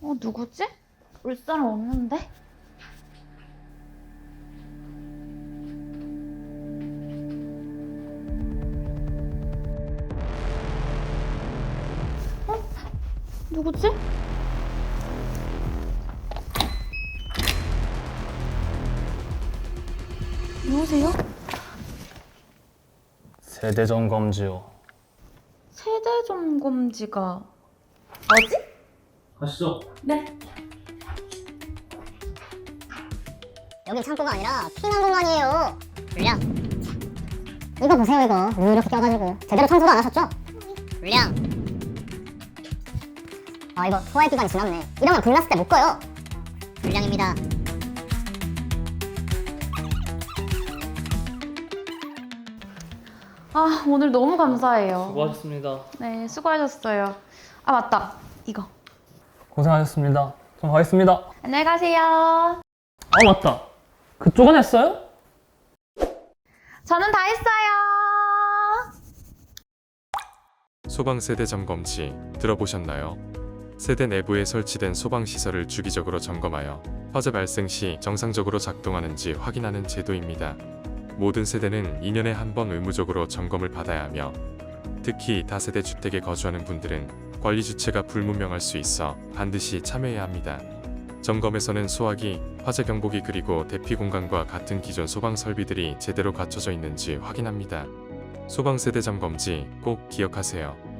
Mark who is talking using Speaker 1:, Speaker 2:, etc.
Speaker 1: 누구지? 올 사람 없는데? 누구지? 누구세요?
Speaker 2: 세대 점검지요.
Speaker 1: 세대 점검지가 뭐지?
Speaker 2: 가시죠.
Speaker 1: 네.
Speaker 3: 여기 창고가 아니라 피난 공간이에요. 불량. 이거 보세요, 이거. 물 이렇게 껴가지고 제대로 청소도 안 하셨죠? 불량. 아, 이거 소화의 기간이 지났네. 이러면 불났을 때 못 꺼요. 불량입니다.
Speaker 1: 오늘 너무 감사해요.
Speaker 2: 수고하셨습니다.
Speaker 1: 네, 수고하셨어요. 아, 맞다. 이거.
Speaker 2: 고생하셨습니다. 전 가겠습니다.
Speaker 1: 안녕히 가세요.
Speaker 2: 아, 맞다. 그쪽은 했어요?
Speaker 1: 저는 다 했어요.
Speaker 4: 소방세대 점검지 들어보셨나요? 세대 내부에 설치된 소방시설을 주기적으로 점검하여 화재 발생 시 정상적으로 작동하는지 확인하는 제도입니다. 모든 세대는 2년에 한 번 의무적으로 점검을 받아야 하며 특히 다세대 주택에 거주하는 분들은 관리 주체가 불분명할 수 있어 반드시 참여해야 합니다. 점검에서는 소화기, 화재 경보기 그리고 대피 공간과 같은 기존 소방 설비들이 제대로 갖춰져 있는지 확인합니다. 소방세대 점검지 꼭 기억하세요.